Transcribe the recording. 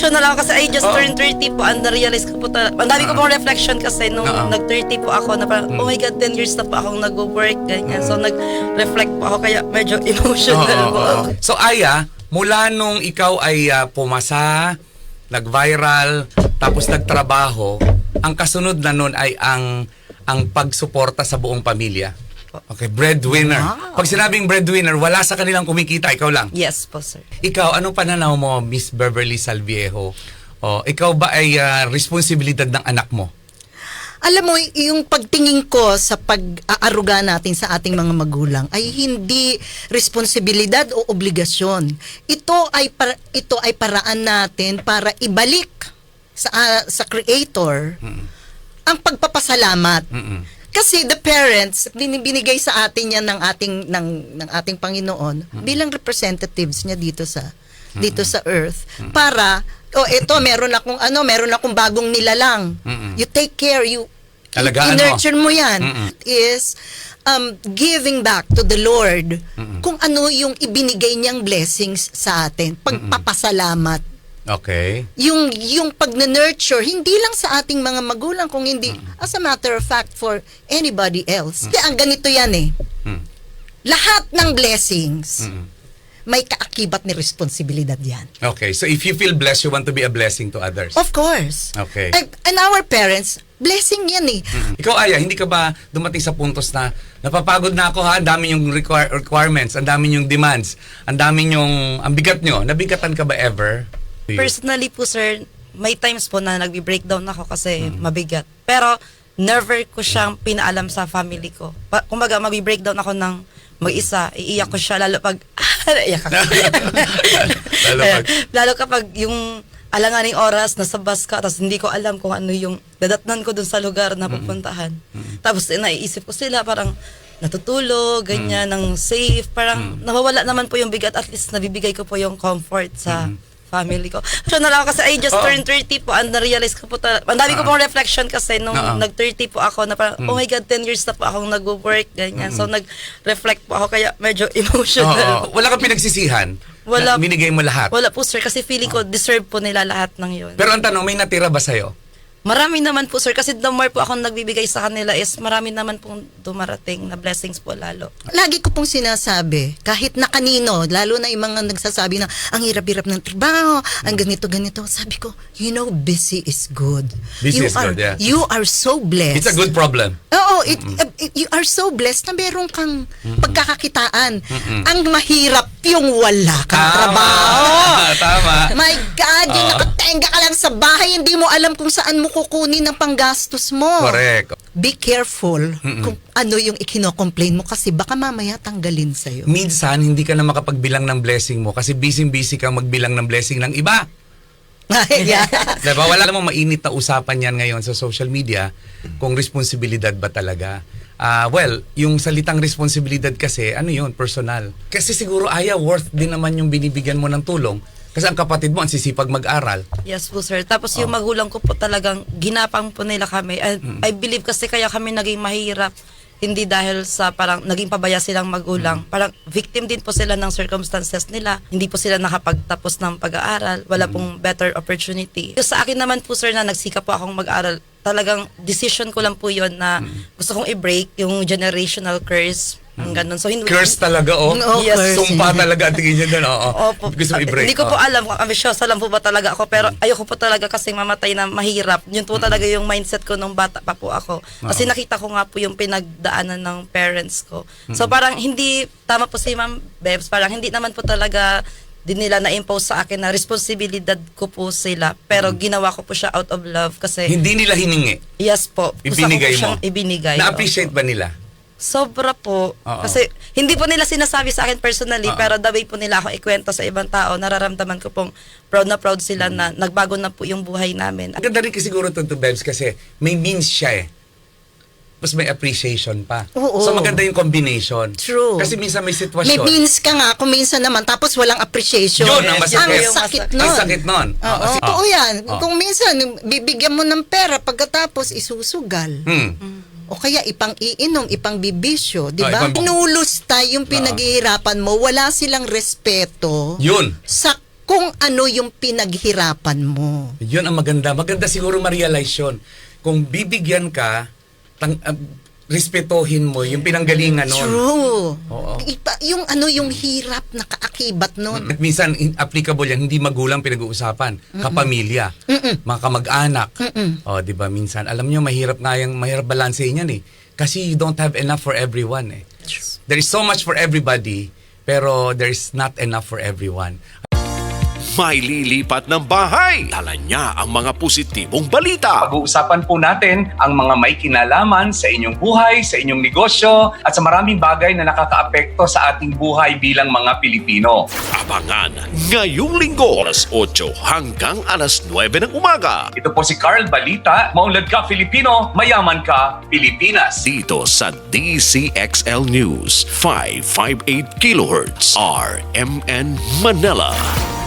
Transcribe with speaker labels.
Speaker 1: So na lang kasi I just turned 30 po and na-realize ko po ang dami ko pong reflection kasi nung nag-30 po ako na parang oh my God, 10 years na po akong nag-work ganyan. So nag-reflect po ako kaya medyo emotional po ako.
Speaker 2: So Aya, mula nung ikaw ay pumasa, nag-viral, tapos nagtrabaho, ang kasunod na nun ay ang pagsuporta sa buong pamilya. Okay, breadwinner.
Speaker 1: Wow.
Speaker 2: Pag sinabing breadwinner, wala sa kanilang kumikita, ikaw lang.
Speaker 1: Yes po, sir.
Speaker 2: Ikaw, anong pananaw mo, Miss Beverly Salviejo? Ikaw ba ay responsibilidad ng anak mo?
Speaker 3: Alam mo, yung pagtingin ko sa pag-aaruga natin sa ating mga magulang ay hindi responsibilidad o obligasyon. Ito ay paraan natin para ibalik sa Creator ang pagpapasalamat. Kasi the parents, binigay sa atin yan ng ating Panginoon bilang representatives niya dito sa earth para eto meron akong bagong nilalang. You take care, i-nurture mo yan. Is giving back to the Lord kung ano yung ibinigay niyang blessings sa atin. Pagpapasalamat.
Speaker 2: Okay.
Speaker 3: Yung pag-nurture, hindi lang sa ating mga magulang, kung hindi, as a matter of fact, for anybody else. Kaya ang ganito yan lahat ng blessings, may kaakibat ni responsibilidad yan.
Speaker 2: Okay, so if you feel blessed, you want to be a blessing to others.
Speaker 3: Of course.
Speaker 2: Okay.
Speaker 3: And our parents, blessing yan
Speaker 2: Ikaw, Aya, hindi ka ba dumating sa puntos na napapagod na ako ang dami yung requirements, ang dami yung demands, ang bigat nyo, nabigatan ka ba ever?
Speaker 1: Personally po, sir, may times po na nagbi-breakdown ako kasi mabigat. Pero never ko siyang pinaalam sa family ko. Kumbaga, mabi-breakdown ako ng mag-isa, iiyak ko siya lalo pag iyak ako. lalo kapag yung alanganing oras nasa bus ka tapos hindi ko alam kung ano yung dadatnan ko dun sa lugar na pupuntahan. Tapos naiisip ko sila parang natutulog, ganyan, ng safe. Parang nawawala naman po yung bigat, at least nabibigay ko po yung comfort sa family ko. So na lang kasi I just turned 30 po and na-realize ko po ang dami ko pong reflection kasi nung nag-30 po ako na parang oh my God, 10 years na po akong nag-work ganyan. So nag-reflect po ako kaya medyo emotional.
Speaker 2: Wala kang pinagsisihan?
Speaker 1: Wala.
Speaker 2: Binigay mo lahat?
Speaker 1: Wala po, sir, kasi feeling ko deserve po nila lahat ng yun.
Speaker 2: Pero ang tanong, may natira ba sa'yo?
Speaker 1: Marami naman po, sir, kasi the more po akong nagbibigay sa kanila is marami naman pong dumarating na blessings po lalo.
Speaker 3: Lagi ko pong sinasabi, kahit na kanino, lalo na yung mga nagsasabi na ang hirap-hirap ng trabaho, ang ganito-ganito, sabi ko, busy is good.
Speaker 2: Busy is good, yeah.
Speaker 3: You are so blessed.
Speaker 2: It's a good problem.
Speaker 3: Oo, you are so blessed na meron kang pagkakakitaan. Ang mahirap yung wala kang trabaho.
Speaker 2: Tama.
Speaker 3: My God, yung nakatenga ka lang sa bahay, hindi mo alam kung saan mo kukunin ang panggastos mo.
Speaker 2: Correct.
Speaker 3: Be careful kung ano yung ikino-complain mo kasi baka mamaya tanggalin sa'yo.
Speaker 2: Minsan, hindi ka na makapagbilang ng blessing mo kasi busy-busy kang magbilang ng blessing ng iba.
Speaker 3: Yeah.
Speaker 2: Diba? Wala namang mainit na usapan yan ngayon sa social media kung responsibilidad ba talaga. Well, yung salitang responsibilidad kasi, ano yun, personal. Kasi siguro, worth din naman yung binibigyan mo ng tulong. Kasi ang kapatid mo, ang sisipag mag-aral.
Speaker 1: Yes po, sir. Tapos yung magulang ko po talagang ginapang po nila kami. I believe kasi kaya kami naging mahirap. Hindi dahil sa parang naging pabaya silang magulang. Parang victim din po sila ng circumstances nila. Hindi po sila nakapagtapos ng pag-aaral. Wala pong better opportunity. Sa akin naman po, sir, na nagsikap po akong mag-aral, talagang decision ko lang po yon na gusto kong i-break yung generational curse. Ganun. So,
Speaker 2: Curse talaga,
Speaker 1: Yes.
Speaker 2: Sumpa talaga ang tingin niya doon,
Speaker 1: Opo.
Speaker 2: Gusto mo i-break.
Speaker 1: Hindi ko po alam kung ambisyosa lang po ba talaga ako, pero ayoko po talaga kasing mamatay na mahirap. Yun po talaga yung mindset ko nung bata pa po ako. Kasi nakita ko nga po yung pinagdaanan ng parents ko. So parang hindi, tama po si Ma'am Bebs, parang hindi naman po talaga din nila na-impose sa akin na responsibilidad ko po sila. Pero ginawa ko po siya out of love kasi...
Speaker 2: Hindi nila hiningi?
Speaker 1: Yes po.
Speaker 2: Ibinigay mo?
Speaker 1: Ibinigay.
Speaker 2: Na-appreciate ba nila?
Speaker 1: Sobra po. Kasi hindi po nila sinasabi sa akin personally, pero the way po nila ako ikwento sa ibang tao, nararamdaman ko pong proud na proud sila na nagbago na po yung buhay namin.
Speaker 2: Ang ganda rin kasi siguro to Bebs kasi may means siya Tapos may appreciation pa.
Speaker 3: Oo.
Speaker 2: So maganda yung combination.
Speaker 3: True.
Speaker 2: Kasi minsan may sitwasyon.
Speaker 3: May means ka nga, kung minsan naman, tapos walang appreciation.
Speaker 2: Yun, ang masakit.
Speaker 3: Ang sakit nun.
Speaker 2: Ang sakit nun.
Speaker 3: Totoo yan. Kung minsan, bibigyan mo ng pera, pagkatapos isusugal. O kaya ipang-iinom, ipang-bibisyo, di ba? Inulusta yung pinaghihirapan mo, wala silang respeto
Speaker 2: Yun.
Speaker 3: sa kung ano yung pinaghirapan mo.
Speaker 2: Yun ang maganda. Maganda siguro ma-realize yun. Kung bibigyan ka, respetohin mo yung pinanggalingan nun.
Speaker 3: True.
Speaker 2: Oo.
Speaker 3: Yung yung hirap na kaakibat nun.
Speaker 2: At minsan, applicable yan, hindi magulang pinag-uusapan, kapamilya, mga kamag-anak. O, di ba, minsan, alam nyo, mahirap balansehin yan eh. Kasi you don't have enough for everyone eh. There is so much for everybody, pero there is not enough for everyone.
Speaker 4: May lilipat ng bahay. Dala niya ang mga positibong balita.
Speaker 2: Pag-uusapan po natin ang mga may kinalaman sa inyong buhay, sa inyong negosyo, at sa maraming bagay na nakakaapekto sa ating buhay bilang mga Pilipino.
Speaker 4: Abangan ngayong linggo, alas 8 hanggang alas 9 ng umaga.
Speaker 2: Ito po si Carl Balita, maunlad ka Filipino, mayaman ka Pilipinas.
Speaker 4: Dito sa DCXL News, 558 kHz, RMN Manila.